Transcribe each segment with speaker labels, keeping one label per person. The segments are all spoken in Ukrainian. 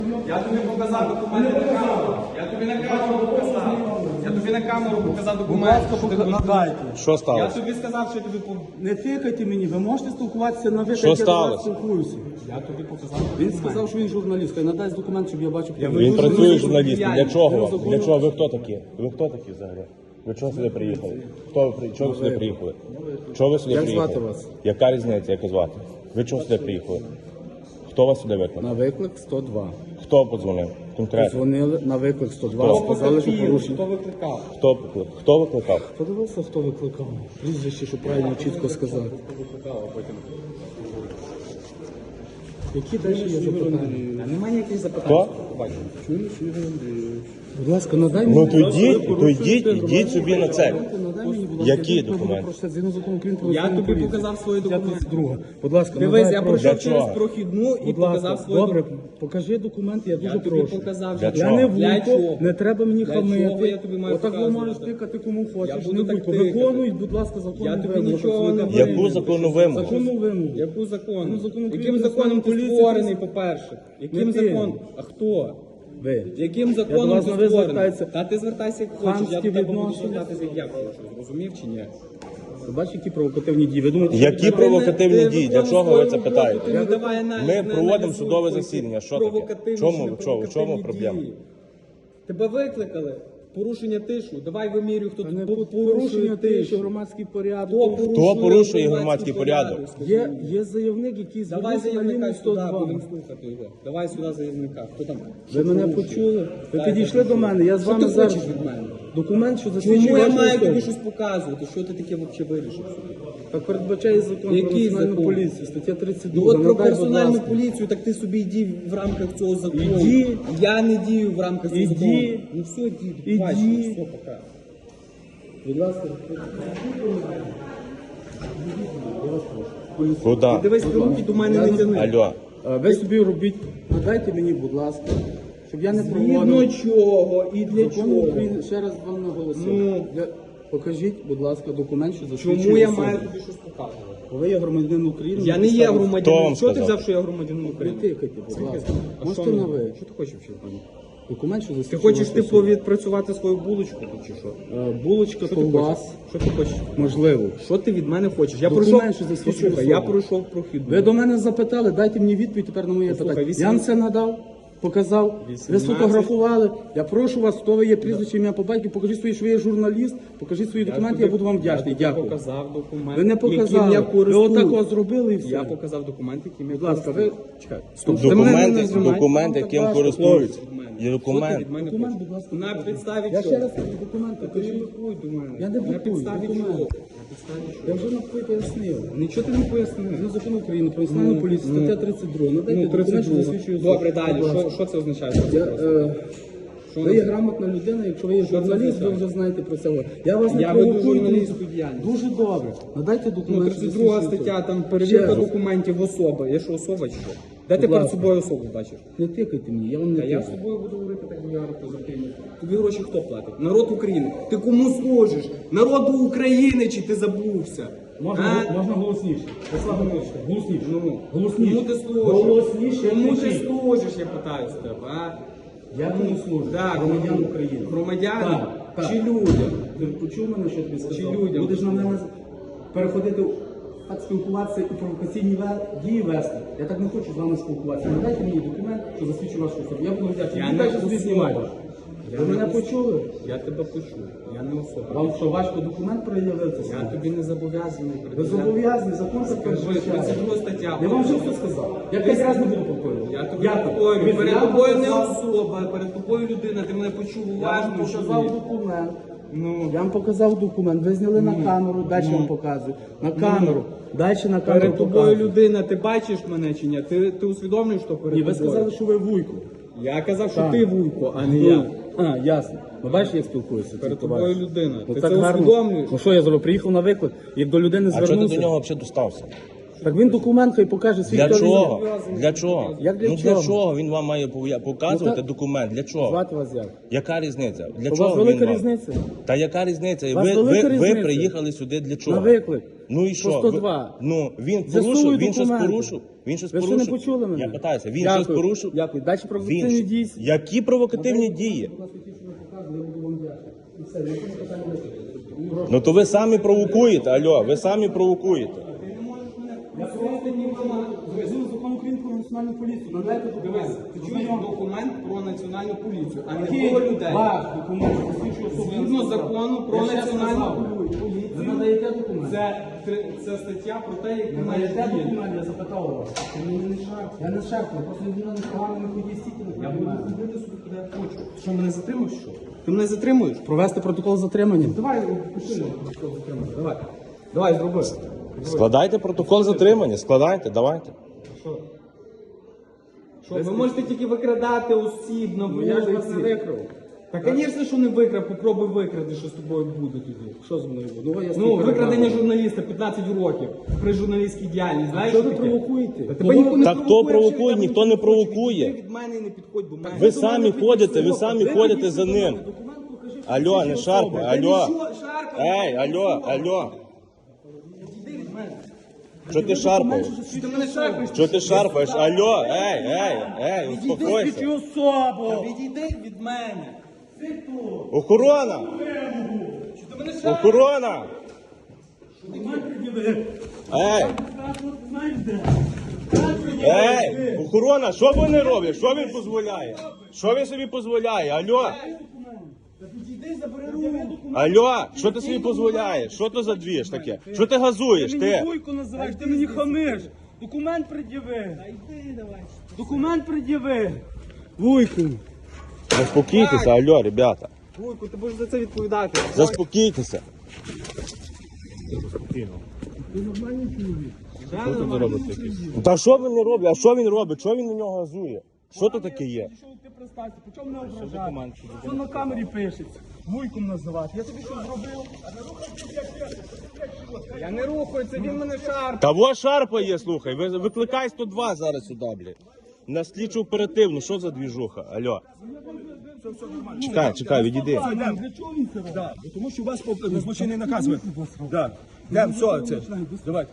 Speaker 1: Я тобі показав документи на камеру. Я тобі на камеру показав. Я тобі на камеру показав документи.
Speaker 2: Надайте.
Speaker 3: Що
Speaker 1: Я
Speaker 3: сталося?
Speaker 1: тобі сказав, що я тобі
Speaker 2: Не тикайте мені, ви можете спілкуватися на ви,
Speaker 3: Що
Speaker 2: як я до вас
Speaker 3: сталося?
Speaker 2: спілкуюся.
Speaker 1: Я тобі показав.
Speaker 2: Він сказав, що він журналіст. Хай надасть документ, щоб я бачив.
Speaker 3: Він працює журналістом. Для чого
Speaker 2: Я
Speaker 3: вам?
Speaker 2: законно-
Speaker 3: Для чого? Ви хто такі? Ви хто такі взагалі? Ви чого сюди приїхали? Чого ви сюди приїхали? Чого ви сюди
Speaker 2: Як
Speaker 3: приїхали?
Speaker 2: звати вас?
Speaker 3: Яка різниця, як звати? Ви чого сюди приїхали? Хто вас сюди викликав?
Speaker 2: На виклик 102.
Speaker 3: Хто подзвонив? Конкретно.
Speaker 2: Дзвонили на виклик 102, сказали, що порушення.
Speaker 1: Хто викликав?
Speaker 3: Хто викликав?
Speaker 2: Подивився, хто викликав. Прізвище, щоб правильно чітко сказати. Які далі є запитання?
Speaker 1: Немає ніяких запитань.
Speaker 3: Хто?
Speaker 2: Будь ласка, надай мені.
Speaker 3: Ну то йдіть собі на це.
Speaker 2: Надай мені, будь ласка,
Speaker 3: Які
Speaker 2: відповідь
Speaker 3: документи?
Speaker 2: про згідно закону України про
Speaker 1: Я
Speaker 2: національну
Speaker 1: тобі
Speaker 2: поліцію.
Speaker 1: показав свої документи.
Speaker 2: 52. Будь ласка,
Speaker 1: Дивись,
Speaker 2: надай,
Speaker 1: я
Speaker 2: прошу.
Speaker 1: пройшов
Speaker 3: Для чого?
Speaker 1: через прохідну і
Speaker 2: Будь
Speaker 1: показав
Speaker 2: ласка,
Speaker 1: свої
Speaker 2: добре,
Speaker 1: документи.
Speaker 2: покажи документи, я дуже
Speaker 1: Я тобі
Speaker 2: прошу.
Speaker 1: показав.
Speaker 3: Для
Speaker 1: що-
Speaker 3: чого?
Speaker 2: Я не
Speaker 1: Для
Speaker 2: вуйко,
Speaker 1: чого?
Speaker 2: не треба мені
Speaker 1: Для чого
Speaker 2: хамити.
Speaker 1: я тобі маю
Speaker 2: Отак ви
Speaker 1: показувати?
Speaker 2: можеш тикати кому хочеш,
Speaker 1: буду
Speaker 2: не
Speaker 1: так
Speaker 2: вуйко.
Speaker 1: тикати.
Speaker 2: Виконують, будь ласка, законну
Speaker 1: Я тобі
Speaker 2: вимогу.
Speaker 1: нічого не
Speaker 2: працівника
Speaker 3: Яку
Speaker 2: поліції.
Speaker 3: законну вимогу?
Speaker 2: Законну вимогу.
Speaker 1: Яку закону?
Speaker 2: Ну, закон України
Speaker 1: Яким
Speaker 2: про
Speaker 1: законом ти
Speaker 2: поліцію,
Speaker 1: створений,
Speaker 2: це-
Speaker 1: по-перше? Яким
Speaker 2: Не ти.
Speaker 1: законом? А хто?
Speaker 2: Ви.
Speaker 1: Яким
Speaker 2: Я до
Speaker 1: законом
Speaker 2: вас
Speaker 1: ти
Speaker 2: на ви
Speaker 1: створений?
Speaker 2: звертаюся.
Speaker 1: Та ти звертайся як хочеш, я
Speaker 2: Хамські
Speaker 1: до тебе буду
Speaker 2: відношення.
Speaker 1: звертатися як я хочу. Зрозумів чи ні?
Speaker 2: Ви бачите, які провокативні дії? Ви думаєте,
Speaker 3: Які
Speaker 2: що-
Speaker 3: провокативні дії? Для чого ви це питаєте? Ми проводимо
Speaker 1: проводимо
Speaker 3: судове засідання. Що таке? В чому проблема?
Speaker 1: Тебе викликали. Порушення тишу. Давай вимірюй, хто
Speaker 2: Та не
Speaker 1: тут
Speaker 2: порушення тиші, громадський порядок.
Speaker 3: Хто порушує громадський порядок?
Speaker 2: Є заявник, який
Speaker 1: Давай
Speaker 2: звернувся на
Speaker 1: заявника
Speaker 2: лінію
Speaker 1: сюди,
Speaker 2: 102.
Speaker 1: будемо слухати його. Давай сюди заявника. Хто там?
Speaker 2: Ви мене почули? Ви підійшли до мене, я з
Speaker 1: Що
Speaker 2: вами
Speaker 1: ти
Speaker 2: зараз.
Speaker 1: хочеш від мене?
Speaker 2: Документ, що засвідчує
Speaker 1: Чому я
Speaker 2: вашу
Speaker 1: маю тобі
Speaker 2: особу.
Speaker 1: щось показувати? Що ти таке взагалі вирішив собі?
Speaker 2: Так передбачає закон про
Speaker 1: Який
Speaker 2: національну
Speaker 1: закон?
Speaker 2: поліцію, стаття 32.
Speaker 1: Ну от про
Speaker 2: Надай, будь
Speaker 1: персональну
Speaker 2: ласка.
Speaker 1: поліцію, так ти собі йди в рамках цього закону.
Speaker 2: Іди.
Speaker 1: Я не дію в рамках цього
Speaker 2: Іди.
Speaker 1: закону. Ну все, діду,
Speaker 2: Іди.
Speaker 1: бачиш, все, пока.
Speaker 2: Будь ласка.
Speaker 3: Куди?
Speaker 1: Дивись, руки до мене не тяни.
Speaker 3: Алло.
Speaker 2: Ви собі робіть, надайте мені, будь ласка, щоб я не
Speaker 1: Згідно
Speaker 2: проводив.
Speaker 1: чого і для
Speaker 2: Закон
Speaker 1: чого?
Speaker 2: України, ще раз вам наголосив.
Speaker 1: Ну.
Speaker 2: Покажіть, будь ласка, документ, що засвідчує
Speaker 1: Чому я
Speaker 2: особу.
Speaker 1: маю тобі щось показувати?
Speaker 2: Ви є громадянин України.
Speaker 1: Я не є
Speaker 3: Хто вам
Speaker 1: громадянином. Що ти
Speaker 3: сказав?
Speaker 1: взяв, що я громадянин
Speaker 2: Не
Speaker 1: України?
Speaker 2: тикайте, будь ласка.
Speaker 1: А
Speaker 2: Можете
Speaker 1: що
Speaker 2: на
Speaker 1: мені?
Speaker 2: ви.
Speaker 1: Що ти хочеш вчити?
Speaker 2: Документ, що
Speaker 1: Ти
Speaker 2: засвідчує
Speaker 1: хочеш
Speaker 2: вашу
Speaker 1: типу
Speaker 2: особу.
Speaker 1: відпрацювати свою булочку тут чи що?
Speaker 2: Булочка
Speaker 1: Що
Speaker 2: то
Speaker 1: ти
Speaker 2: у
Speaker 1: хочеш?
Speaker 2: вас,
Speaker 1: Що ти хочеш?
Speaker 2: можливо.
Speaker 1: Що ти від мене хочеш? Я
Speaker 2: Документ,
Speaker 1: пройшов,
Speaker 2: що засвідчує
Speaker 1: послухай,
Speaker 2: особу.
Speaker 1: я пройшов прохідну.
Speaker 2: Ви до мене запитали, дайте мені відповідь тепер на моє
Speaker 1: Послухай,
Speaker 2: питання.
Speaker 1: 18.
Speaker 2: Я вам це надав, показав, ви
Speaker 1: 18.
Speaker 2: сфотографували. Я прошу вас, хто ви є прізвище, ім'я по батьку, покажіть свої, що ви є журналіст, покажіть свої документи, я буду вам вдячний.
Speaker 1: Я
Speaker 2: Дякую.
Speaker 1: показав документ,
Speaker 2: Ви не
Speaker 1: яким
Speaker 2: показали.
Speaker 1: я
Speaker 2: Ви
Speaker 1: користуюсь.
Speaker 2: отак от зробили і все.
Speaker 1: Я показав документ, яким я
Speaker 2: Будь ласка, ви чекай.
Speaker 1: Стоп, ти мене не
Speaker 3: Документи,
Speaker 1: знімай.
Speaker 3: документи, яким користуються. Є
Speaker 1: Що ти
Speaker 3: документ.
Speaker 1: від мене
Speaker 2: Документ,
Speaker 1: хочеш?
Speaker 2: будь ласка.
Speaker 1: На підставі
Speaker 2: Я
Speaker 1: чого?
Speaker 2: ще раз кажу, документи.
Speaker 1: Ти ж блокуй до мене.
Speaker 2: Я не
Speaker 1: На
Speaker 2: блокую,
Speaker 1: підставі
Speaker 2: документи.
Speaker 1: чого? На підставі чого?
Speaker 2: Я вже навпаки пояснив.
Speaker 1: Нічого ти не пояснив.
Speaker 2: Ну, закон України про національну поліцію, стаття 32. Надайте
Speaker 1: Ну,
Speaker 2: документ, що
Speaker 1: 32.
Speaker 2: засвідчує особу.
Speaker 1: Добре, далі.
Speaker 2: Будь ласка.
Speaker 1: Що це означає?
Speaker 2: Я,
Speaker 1: Що
Speaker 2: ви є
Speaker 1: воно-
Speaker 2: грамотна людина, якщо ви є
Speaker 1: Що це
Speaker 2: журналіст, ви
Speaker 1: означає?
Speaker 2: вже знаєте про це. Я вас не
Speaker 1: Я веду
Speaker 2: провокую.
Speaker 1: журналістську діяльність.
Speaker 2: Дуже добре. Надайте
Speaker 1: Ну,
Speaker 2: документ. що
Speaker 1: 32
Speaker 2: засвідчує
Speaker 1: стаття, там
Speaker 2: Ще
Speaker 1: перевірка
Speaker 2: раз.
Speaker 1: документів особи. Я що, особа чи що? Де ти
Speaker 2: Будь
Speaker 1: перед
Speaker 2: ласка.
Speaker 1: собою особу бачиш?
Speaker 2: Не тикайте мені, я вам не
Speaker 1: Та я з
Speaker 2: тикаю.
Speaker 1: тобою буду говорити так мільярд позитивно. Тобі гроші хто платить? Народ України. Ти кому служиш? Народу України чи ти забувся?
Speaker 2: Можна
Speaker 1: А?
Speaker 2: голосніше. Голосніше.
Speaker 1: Ну,
Speaker 2: Голосніше.
Speaker 1: Кому ти служиш?
Speaker 2: Голосніше.
Speaker 1: Кому ти
Speaker 2: кричіть.
Speaker 1: служиш, я питаю з тебе, а?
Speaker 2: Я кому служу?
Speaker 1: Так,
Speaker 2: Громадян
Speaker 1: кому?
Speaker 2: України.
Speaker 1: Громадянам?
Speaker 2: Так,
Speaker 1: Чи
Speaker 2: так.
Speaker 1: людям?
Speaker 2: Ти почув мене, що я тобі сказав?
Speaker 1: Чи людям?
Speaker 2: Будеш на мене переходити, так спілкуватися і провокаційні дії вести. Я так не хочу з вами спілкуватися. Надайте мені документ, що засвідчує вашу особу. Я буду вдячний.
Speaker 1: Я
Speaker 2: Ви
Speaker 1: не
Speaker 2: далі собі
Speaker 1: особа.
Speaker 2: знімаєте. Ви мене почули?
Speaker 1: Я тебе почув. Я не особа.
Speaker 2: Вам що, важко документ проявити?
Speaker 1: Я тобі не зобов'язаний.
Speaker 2: Ви зобов'язані, закон це
Speaker 1: Скажи, 32 стаття.
Speaker 2: Я вам вже все сказав. Я 5 разів не буду повторювати.
Speaker 1: Я тобі
Speaker 2: Дякую.
Speaker 1: повторюю, перед
Speaker 2: Я
Speaker 1: тобою не
Speaker 2: показав-
Speaker 1: особа, перед тобою людина, ти мене почув
Speaker 2: Я вам
Speaker 1: уважно.
Speaker 2: показав
Speaker 1: чуєш?
Speaker 2: документ.
Speaker 1: Ну,
Speaker 2: Я вам показав документ, ви зняли на камеру, далі вам показую. На камеру, далі на камеру
Speaker 1: перед тобою
Speaker 2: показую.
Speaker 1: людина, ти бачиш мене чи ні? Ти усвідомлюєш, що перед
Speaker 2: Ні, ви
Speaker 1: тобою?
Speaker 2: сказали, що ви вуйко.
Speaker 1: Я казав, що
Speaker 2: Так.
Speaker 1: ти вуйко, а не я.
Speaker 2: А, ясно. Ну бачиш, як спілкуюся.
Speaker 1: Перед
Speaker 2: ці
Speaker 1: тобою
Speaker 2: товариші?
Speaker 1: людина.
Speaker 2: Ну,
Speaker 1: Ти
Speaker 2: так
Speaker 1: це
Speaker 2: гарно.
Speaker 1: усвідомлюєш?
Speaker 2: Ну що я зробив? Приїхав на виклик, як до людини
Speaker 3: А чого ти
Speaker 2: звернувся.
Speaker 3: до нього взагалі достався?
Speaker 2: Так він документ хай покаже свій
Speaker 3: Для
Speaker 2: хто він є.
Speaker 3: чого? Для чого?
Speaker 2: Як для
Speaker 3: Ну для
Speaker 2: чого?
Speaker 3: чого він вам має показувати
Speaker 2: Ну, та-
Speaker 3: документ? Для чого?
Speaker 2: Звати вас як?
Speaker 3: Яка різниця? Для
Speaker 2: У
Speaker 3: чого
Speaker 2: вас
Speaker 3: він
Speaker 2: велика
Speaker 3: вам?
Speaker 2: різниця?
Speaker 3: Та яка різниця?
Speaker 2: У вас
Speaker 3: Ви
Speaker 2: велика різниця?
Speaker 3: приїхали сюди для чого?
Speaker 2: На виклик.
Speaker 3: Ну і
Speaker 2: По
Speaker 3: що?
Speaker 2: 102.
Speaker 3: Ну він
Speaker 2: З'ясовую
Speaker 3: порушив, він щось
Speaker 2: документи.
Speaker 3: порушив. Він щось
Speaker 2: Ви ще
Speaker 3: порушив.
Speaker 2: не почули мене?
Speaker 3: Я питаюся, він
Speaker 2: Дякую.
Speaker 3: щось порушив?
Speaker 2: Дякую. Далі провокативні
Speaker 3: Він...
Speaker 2: дії.
Speaker 3: Які провокативні дії? Ну то ви самі провокуєте, алло, ви самі провокуєте.
Speaker 2: Закон України про національну поліцію. Надайте
Speaker 1: Дивись, ти чуєш документ про національну поліцію, а не
Speaker 2: Який
Speaker 1: про людей.
Speaker 2: ваш документ посвідчує особу?
Speaker 1: Згідно закону про
Speaker 2: Я ще
Speaker 1: національну
Speaker 2: сказав.
Speaker 1: поліцію,
Speaker 2: Ви надаєте документ?
Speaker 1: це стаття про те, як
Speaker 2: Ви
Speaker 1: ти маєш
Speaker 2: надаєте
Speaker 1: діяти.
Speaker 2: документ, я запитав вас.
Speaker 1: Ти мені не шарпай.
Speaker 2: Я не шеф, просто людина не погано не ходіть стільки на
Speaker 1: Я буду
Speaker 2: документ.
Speaker 1: ходити собі, куди я хочу. Ти що, мене затримуєш, що? Ти мене затримуєш?
Speaker 2: Провести протокол затримання.
Speaker 1: Давай, пиши протокол затримання. Давай. Давай, зроби.
Speaker 3: Складайте протокол затримання, складайте, давайте.
Speaker 1: Що, ви можете тільки викрадати осіб на
Speaker 2: Ну, я ж вас не
Speaker 1: вулиці.
Speaker 2: викрав.
Speaker 1: Та, звісно, що не викрав, попробуй викради, що з тобою буде тоді.
Speaker 2: Що з мною буде? Ну, я
Speaker 1: Ну, викрадення журналіста 15 років при журналістській діяльності. Знаєш,
Speaker 2: Що ви
Speaker 1: таке?
Speaker 2: провокуєте?
Speaker 1: Та тебе ніхто не
Speaker 3: Так хто
Speaker 1: провокує,
Speaker 3: провокує?
Speaker 1: якщо
Speaker 3: Ніхто не
Speaker 1: я
Speaker 3: провокує.
Speaker 1: Ти від мене і не підходь до мене.
Speaker 3: Ви самі ходите, ви самі ходите за ним. Алло, не шарпай, алло. Ей, алло, алло. Що ти шарпаєш?
Speaker 1: Ти мене шарпаєш?
Speaker 3: Що ти шарпаєш? Алло, ей, успокойся.
Speaker 1: Та
Speaker 2: особу!
Speaker 1: відійди від мене.
Speaker 3: Охорона!
Speaker 1: Що ти мене шарпаєш?
Speaker 3: Охорона! Ей! Ей! Охорона, що вони роблять? Що він дозволяє? Що він собі дозволяє? Алло!
Speaker 1: Відійди, забери руку.
Speaker 3: Алло, що ти собі дозволяєш? Що то за двіж таке? Що ти газуєш? Ти?
Speaker 2: Вуйку називаєш, ти мені хамиш. Документ пред'яви. Документ пред'яви. Вуйку.
Speaker 3: Заспокійтеся, алло, ребята.
Speaker 1: Вуйку, ти будеш за це відповідати.
Speaker 3: Заспокійтеся.
Speaker 1: Що тут робити?
Speaker 3: Та що він не робить? А що він робить? Що він на нього газує? Що то таке є?
Speaker 2: Що ти представся? По чому не ображати? Що на камері пишеться? Вуйком називати. Я тобі що зробив?
Speaker 1: Я не рухаю, це він мене шарпає.
Speaker 3: Та во шарпає, слухай. Викликай 102 зараз сюди, блядь. На слідчу оперативну, що за двіжуха? Алло. Чекай, відійди.
Speaker 2: Для чого він це робить?
Speaker 4: Да, тому що у вас злочинний наказ. Да. Йдемо, все, це. Давай.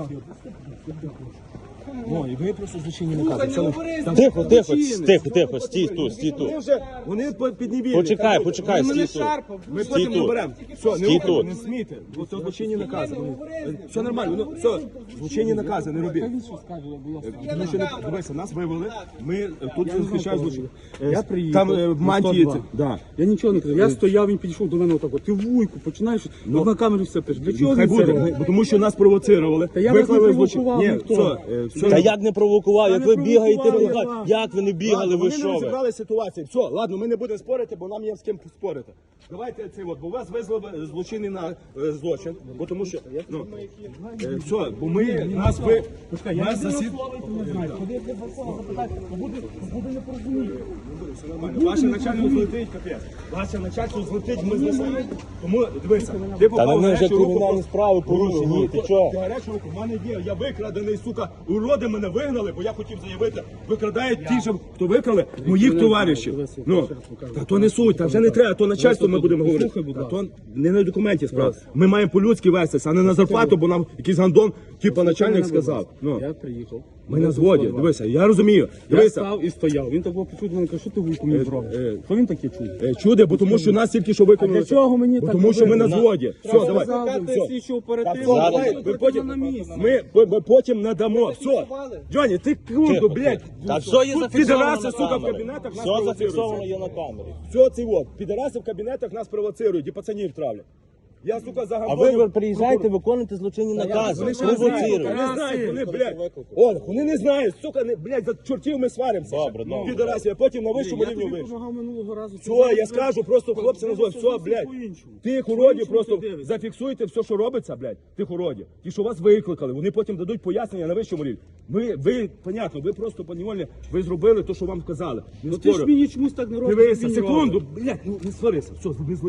Speaker 4: Ну, і ви просто злочинні накази. Все,
Speaker 3: Тихо, стій тут.
Speaker 4: вони піднебільні.
Speaker 3: Почекай,
Speaker 1: Він мене
Speaker 3: стій тут.
Speaker 1: шарпав.
Speaker 4: Ми
Speaker 3: Стій
Speaker 4: потім
Speaker 3: тут.
Speaker 4: наберемо. Все,
Speaker 3: Стій
Speaker 4: не
Speaker 3: тут.
Speaker 4: рухайте, не смійте. Бо це злочинні накази. Все нормально, ну, все, злочинні накази, не робіть. Тому що, дивися, нас вивели, ми тут захищаємо злочин.
Speaker 2: Я приїхав
Speaker 4: Там
Speaker 2: на
Speaker 4: мантії,
Speaker 2: 102.
Speaker 4: да.
Speaker 2: Я нічого не казав. Я стояв, він підійшов до мене отак. Ти вуйку, починаєш, от на камері все пишеш. Для чого
Speaker 4: Хай
Speaker 2: він це
Speaker 4: буде,
Speaker 2: робить?
Speaker 4: бо тому що нас провоцировали.
Speaker 2: Та я вас не
Speaker 4: Виклали злочин.
Speaker 2: провокував,
Speaker 4: Ні,
Speaker 2: ніхто.
Speaker 4: все,
Speaker 3: Та як не провокував, як
Speaker 2: не
Speaker 3: ви бігаєте,
Speaker 2: провокував,
Speaker 3: ви-
Speaker 2: я
Speaker 3: як ви не бігали,
Speaker 4: Ладно,
Speaker 3: ви
Speaker 4: вони не
Speaker 3: що ви?
Speaker 4: розібрали ситуацію. Все, ладно, ми не будемо спорити, бо нам є з ким спорити. Давайте це от, бо вас визвали злочинний на злочин, бо тому що все, бо ми нас ви нас засід. Ваше начальство злетить, капець. Ваше начальство злетить, ми знесемо. Тому дивися, ти
Speaker 3: Та
Speaker 4: попав
Speaker 3: на
Speaker 4: в
Speaker 3: мене вже
Speaker 4: гарячу руку.
Speaker 3: кримінальні справи порушені, ти чого?
Speaker 4: Гарячу руку, в мене є, я викрадений, сука, уроди мене вигнали, бо я хотів заявити, викрадають ті ж, хто викрали, моїх товаришів. Ну, та то не суть, та вже не треба, то начальство ми будемо говорити. Та то не на документі справа. Ми маємо по-людськи вестися, а не на зарплату, бо нам якийсь гандон, типу начальник сказав. Ну,
Speaker 2: Я приїхав.
Speaker 4: ми на зводі, дивися, я розумію.
Speaker 2: Я
Speaker 4: Дивися,
Speaker 2: став і стояв. Він так було почув, мене каже, що ти вуйку мені зробиш? Що він таке чув?
Speaker 4: чуде, бо тому що нас тільки що виконали.
Speaker 2: А для чого мені
Speaker 4: Бо
Speaker 2: так
Speaker 4: тому що ми на
Speaker 2: робити?
Speaker 4: зводі. Все, давай.
Speaker 1: Викликати слідчу оперативну.
Speaker 3: Зараз.
Speaker 4: Давай,
Speaker 1: Ми
Speaker 4: ви потім,
Speaker 1: на місці.
Speaker 4: ми потім надамо. Все. Джоні, ти курду, блядь.
Speaker 3: Та все є
Speaker 4: Тут
Speaker 3: зафіксовано
Speaker 4: підараси,
Speaker 3: на
Speaker 4: сука, в
Speaker 3: камері.
Speaker 4: кабінетах нас
Speaker 3: Все
Speaker 4: провоцирують.
Speaker 3: зафіксовано є на камері.
Speaker 4: Все це от. Підараси в кабінетах нас провоцирують і пацанів травлять. Я, сука,
Speaker 3: А
Speaker 4: загамбонив.
Speaker 3: ви приїжджаєте, виконуєте злочинні накази,
Speaker 4: Вони ще не знають,
Speaker 3: провоцируєте.
Speaker 4: вони знають, вони, блядь. О, вони не знають, сука, не, блядь, за чортів ми сваримося.
Speaker 3: Добре.
Speaker 4: Підарасів, а потім на вищому
Speaker 2: Я
Speaker 4: рівні
Speaker 2: тобі
Speaker 4: вийшли.
Speaker 2: допомагав минулого разу.
Speaker 4: Все, я скажу, просто хлопці називають, все, блядь. Тих уродів просто
Speaker 2: ти дивишся?
Speaker 4: зафіксуйте все, що робиться, блядь, тих уродів. Ті, що вас викликали, вони потім дадуть пояснення на вищому рівні. Ви, понятно, ви просто поневольно, ви зробили те, що вам вказали. Не
Speaker 2: Ну ти ж
Speaker 4: спорю.
Speaker 2: мені чомусь так не робиш.
Speaker 4: Дивися,
Speaker 2: він
Speaker 4: секунду,
Speaker 2: робить.
Speaker 4: блядь, ну не сварися, все, не злися.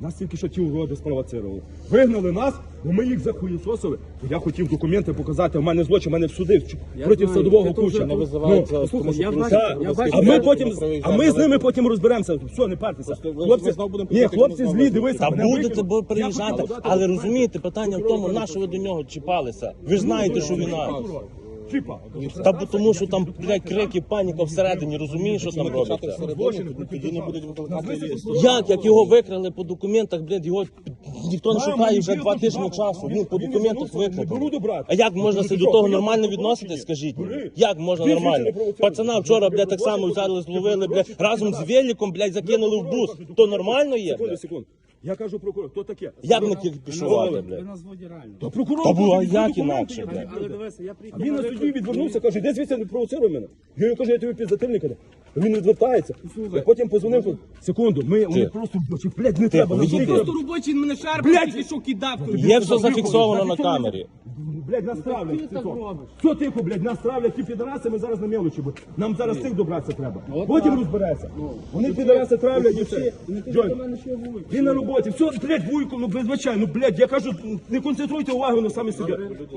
Speaker 4: Нас тільки що ті уроди спровоцировали. Вигнали нас, бо ми їх захуєсосили. Я хотів документи показати, у мене злочин, у мене в суди проти
Speaker 2: знаю,
Speaker 4: садового
Speaker 2: це
Speaker 4: куча.
Speaker 2: вже
Speaker 3: визивається,
Speaker 4: Ну,
Speaker 3: тому що
Speaker 2: я
Speaker 3: порушує
Speaker 2: бачу, я бачу.
Speaker 4: а ми потім,
Speaker 3: проїжджаємо
Speaker 4: а ми з ними
Speaker 3: дорогу.
Speaker 4: потім розберемося. Все, не партеся. Хлопці,
Speaker 3: знову будемо
Speaker 4: ні,
Speaker 3: приїжджати,
Speaker 4: хлопці
Speaker 3: ми
Speaker 4: злі,
Speaker 3: знову
Speaker 4: дивися.
Speaker 3: Та
Speaker 4: мене
Speaker 3: будете
Speaker 4: викинули.
Speaker 3: бо
Speaker 4: Я
Speaker 3: приїжджати,
Speaker 4: хотів подати
Speaker 3: але
Speaker 4: документи.
Speaker 3: розумієте, питання в тому, на що ви до нього чіпалися. Ви ж знаєте, що війна.
Speaker 4: Чіпа.
Speaker 3: Та бо тому, що там, блядь, крики, паніка всередині, розумієш, що там робиться?
Speaker 4: Тоді не будуть викликати.
Speaker 3: Як його викрали по документах, блядь, його ніхто не шукає вже 2 тижні часу. Він по документах викрали. А як можна до того нормально відноситись, скажіть мені? Як можна нормально? Пацана вчора, блядь, так само взяли, зловили, блядь, разом з великом, блядь, закинули в бус. То нормально є,
Speaker 4: Секунду,
Speaker 3: блядь?
Speaker 4: секунду. Я кажу прокурор, хто таке?
Speaker 3: Як ми пішувати,
Speaker 2: Ви
Speaker 3: блядь?
Speaker 2: на зводі реально.
Speaker 4: Та прокурор.
Speaker 3: Та було, а
Speaker 4: хоче
Speaker 3: як
Speaker 4: документи,
Speaker 3: інакше,
Speaker 4: я
Speaker 3: блядь?
Speaker 2: Але дивися, я приїхав.
Speaker 4: Він на суді відвернувся, каже, іди звідси, не провоцируй мене. Я йому кажу, я тобі підзатильник. Він відвертається. Я потім позвонив, секунду, вони просто, блядь, не треба.
Speaker 3: відійди.
Speaker 4: настільки-
Speaker 1: Просто робочий мене шарпав,
Speaker 4: Блядь!
Speaker 1: тільки що кидав.
Speaker 3: Є все зафіксовано на камері.
Speaker 4: Блядь, нас травлять.
Speaker 2: Ти так робиш?
Speaker 4: Все тихо, блядь, нас травлять, ті підараси, ми зараз на мелочі. Нам зараз цих добратися треба. Потім розбереться. Вони підараси травлять і все. Джой, він на роботі. Все, блядь, вуйку, ну вибачай, ну, блядь, я кажу, не концентруйте увагу на самі собі.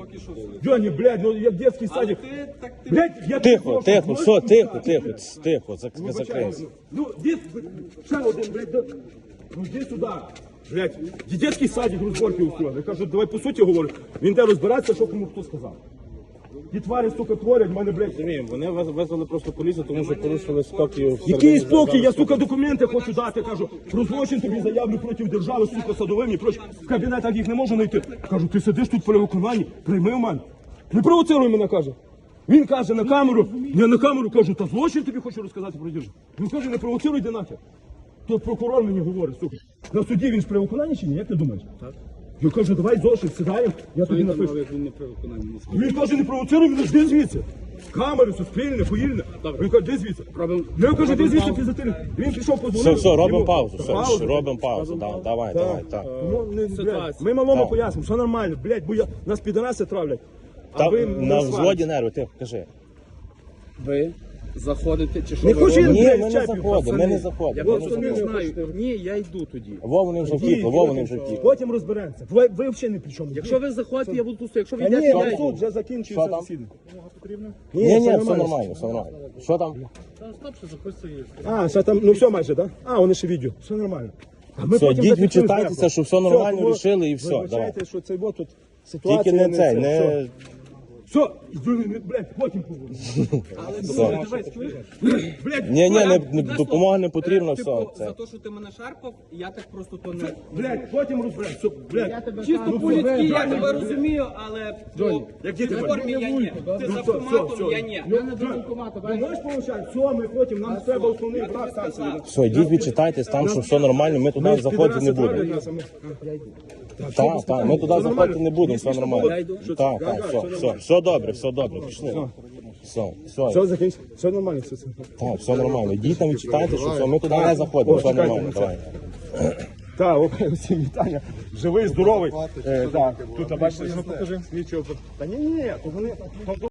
Speaker 4: Джоні, блядь, ну як дитячий садик. Блядь, я
Speaker 3: Тихо, тихо, все, тихо, тихо, тихо, закрийся.
Speaker 4: Ну, дід, ще один, блядь, ну йди сюди. Блядь, дитячий садик розборки устроїли. Я кажу, давай по суті говорю. Він де розбиратися, що кому хто сказав. Ті тварі, сука, творять, мене, блядь.
Speaker 3: Вони визвали просто поліцію, тому що порушили спокій.
Speaker 4: Який спокій? Я, сука, документи хочу дати, кажу. Про злочин тобі заявлю проти держави, сука, садовим і проч. В кабінетах їх не можу знайти. Кажу, ти сидиш тут при виконанні, прийми в мене. Не провоцируй мене, каже. Він каже на камеру, я на камеру кажу, та злочин тобі хочу розказати про державу. Він каже, не провоцируй, йди нахер. Тут прокурор мені говорить, сука. На суді він ж при виконанні чи ні? Як ти думаєш? Так. Я кажу, давай зошит, сідаємо, я тобі напишу.
Speaker 2: Він не при виконанні.
Speaker 4: Він каже, не провоцируй мене, жди звідси. Камери, суспільне, поїльне. Він каже, де звідси? Я кажу, де звідси підзатильник? Він пішов позвонив.
Speaker 3: Все, робимо
Speaker 4: Йому-
Speaker 3: паузу, все,
Speaker 4: Паузу?
Speaker 3: робимо паузу, давай, так.
Speaker 4: Ну, не, блядь, ми малому пояснимо, все нормально, блядь, бо нас підараси травлять.
Speaker 3: Та
Speaker 4: ви
Speaker 3: на
Speaker 4: сварите.
Speaker 3: взводі нерви, тихо, кажи.
Speaker 2: Ви заходите чи що
Speaker 4: Не
Speaker 2: ви
Speaker 4: хочу
Speaker 2: робите?
Speaker 3: Ні,
Speaker 4: блядь,
Speaker 3: ми не
Speaker 4: чапів,
Speaker 3: заходимо, ми
Speaker 4: пацани.
Speaker 3: не заходимо.
Speaker 2: Я просто не знаю. Ні, я йду тоді.
Speaker 3: Вони вже втікли, вони вже втікли.
Speaker 4: Потім розберемося. Ви взагалі не при чому.
Speaker 2: Якщо ви заходите, я буду тут. Якщо ви
Speaker 4: Та ні,
Speaker 2: йдете,
Speaker 4: на
Speaker 2: я
Speaker 4: суд
Speaker 2: йду.
Speaker 4: вже
Speaker 3: Що
Speaker 4: закінчується
Speaker 3: там?
Speaker 4: засідання.
Speaker 3: Ні, все нормально, все нормально. Що там?
Speaker 4: А, ще там, ну все майже, так? А, вони ще відео. Все нормально. А ми
Speaker 3: Все,
Speaker 4: потім
Speaker 3: йдіть,
Speaker 4: зафіксуємо
Speaker 3: відчитайтеся,
Speaker 4: зверху.
Speaker 3: що все нормально
Speaker 4: тому
Speaker 3: рішили і все,
Speaker 4: вибачайте,
Speaker 3: давай.
Speaker 4: що це от тут ситуація.
Speaker 3: Тільки не цей,
Speaker 4: це,
Speaker 3: не...
Speaker 4: Все, блядь, потім поговоримо. Блядь,
Speaker 3: Ні, допомога не потрібна, все.
Speaker 1: Типу,
Speaker 3: Це.
Speaker 1: за те, що ти мене шарпав, я так просто то не...
Speaker 4: блядь, потім розберемося. Все, блядь.
Speaker 1: Чисто по-людськи, я тебе розумію, але
Speaker 4: Як
Speaker 1: ти
Speaker 4: діти
Speaker 1: в формі я ні. Ти з автоматом, я ні.
Speaker 4: Ви можеш помовчати? Все, ми потім, нам треба основний брак станції.
Speaker 3: Все, йдіть, відчитайтесь, там, що все нормально, ми туди заходити не будемо. Так, ми туди заходити не будемо, все нормально. Так, все добре, пішли.
Speaker 4: Все, закінчимо. Все нормально, все.
Speaker 3: Так, все нормально. Йдіть там, відчитайте, що все, ми туди не заходимо, все нормально, давай.
Speaker 4: Так, всім вітання. Живий, здоровий. Так, тут, бачите, що покажи. Та ні, то вони...